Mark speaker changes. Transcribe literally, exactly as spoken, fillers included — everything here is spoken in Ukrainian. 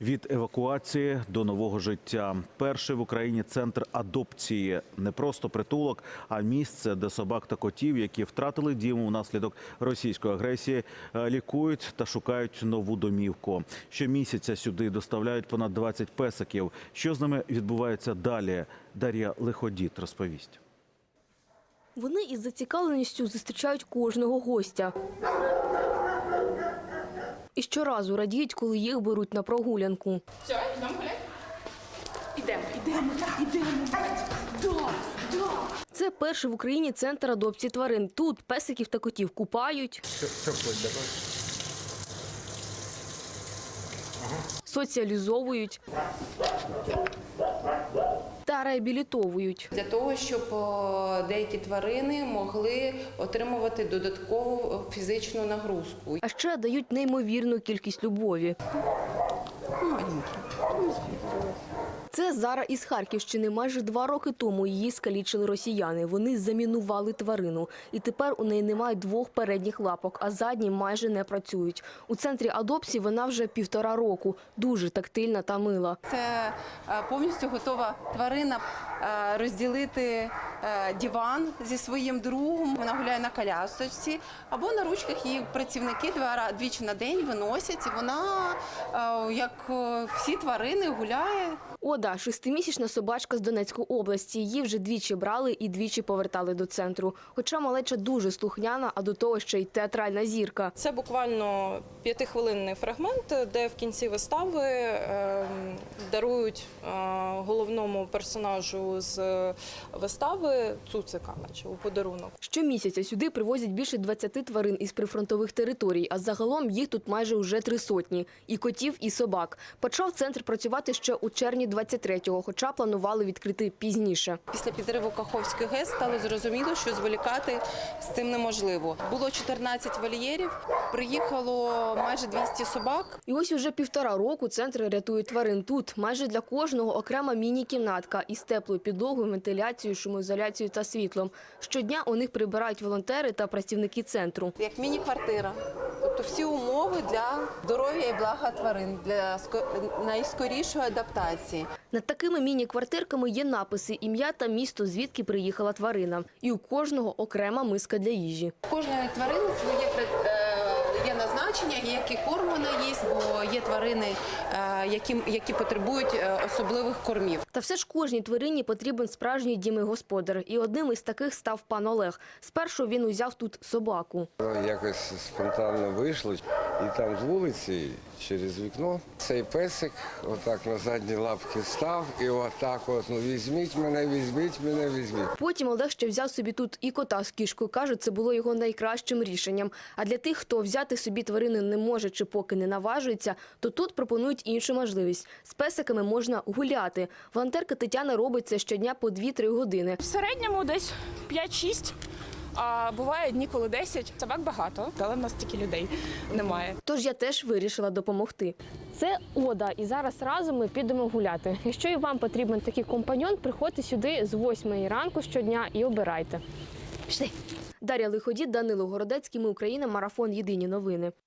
Speaker 1: Від евакуації до нового життя. Перший в Україні центр адопції. Не просто притулок, а місце, де собак та котів, які втратили дім внаслідок російської агресії, лікують та шукають нову домівку. Щомісяця сюди доставляють понад двадцять песиків. Що з ними відбувається далі? Дар'я Лиходіт розповість.
Speaker 2: Вони із зацікавленістю зустрічають кожного гостя. І щоразу радіють, коли їх беруть на прогулянку.
Speaker 3: Все, йдемо гуляти? Ідемо, ідемо, ідемо. Да, да.
Speaker 2: Це перший в Україні центр адопції тварин. Тут песиків та котів купають, соціалізовують та реабілітовують.
Speaker 4: Для того, щоб деякі тварини могли отримувати додаткову фізичну нагрузку.
Speaker 2: А ще дають неймовірну кількість любові. Це Зара із Харківщини. Майже два роки тому її скалічили росіяни. Вони замінували тварину. І тепер у неї немає двох передніх лапок, а задні майже не працюють. У центрі адопції вона вже півтора року. Дуже тактильна та мила.
Speaker 4: Це повністю готова тварина розділити диван зі своїм другом. Вона гуляє на колясочці або на ручках. Її працівники двічі на день виносять. І вона, як всі тварини, гуляє.
Speaker 2: Ода – шестимісячна собачка з Донецької області. Її вже двічі брали і двічі повертали до центру. Хоча малеча дуже слухняна, а до того ще й театральна зірка.
Speaker 5: Це буквально п'ятихвилинний фрагмент, де в кінці вистави е, дарують е, головному персонажу з вистави цуцика, наче у подарунок.
Speaker 2: Щомісяця сюди привозять більше двадцяти тварин із прифронтових територій, а загалом їх тут майже уже три сотні. І котів, і собак. Почав центр працювати ще у червні двадцять третього, хоча планували відкрити пізніше.
Speaker 4: Після підриву Каховської ГЕС стало зрозуміло, що зволікати з цим неможливо. Було чотирнадцять вольєрів, приїхало майже двісті собак.
Speaker 2: І ось уже півтора року центр рятує тварин. Тут майже для кожного окрема міні-кімнатка із теплою підлогою, вентиляцією, шумоізоляцією та світлом. Щодня у них прибирають волонтери та працівники центру.
Speaker 4: Як міні-квартира. Тобто всі умови для здоров'я і блага тварин, для найскорішої адаптації.
Speaker 2: Над такими міні-квартирками є написи, ім'я та місто, звідки приїхала тварина. І у кожного окрема миска для їжі.
Speaker 4: У кожної тварини своє є назначення, який корм вона їсть, бо є тварини, які, які потребують особливих кормів.
Speaker 2: Та все ж кожній тварині потрібен справжній дім і господар. І одним із таких став пан Олег. Спершу він узяв тут собаку.
Speaker 6: Якось спонтанно вийшло, і там з вулиці, через вікно, цей песик отак на задні лапки став, і отак от, ну візьміть мене, візьміть мене, візьміть.
Speaker 2: Потім Олег ще взяв собі тут і кота з кішкою. Каже, це було його найкращим рішенням. А для тих, хто взяти собі тварину не може чи поки не наважується, то тут пропонують іншу можливість. З песиками можна гуляти. Волонтерка Тетяна робить це щодня по дві-три години.
Speaker 3: В середньому десь п'ять-шість. А буває дні, коли десять. Собак багато, але в нас тільки людей немає.
Speaker 2: Тож я теж вирішила допомогти. Це Ода, і зараз разом ми підемо гуляти. Якщо і вам потрібен такий компаньон, приходьте сюди з восьмої ранку щодня і обирайте. Пішли! Дар'я Лиходіт, Данило Городецький, Ми Україна, марафон «Єдині новини».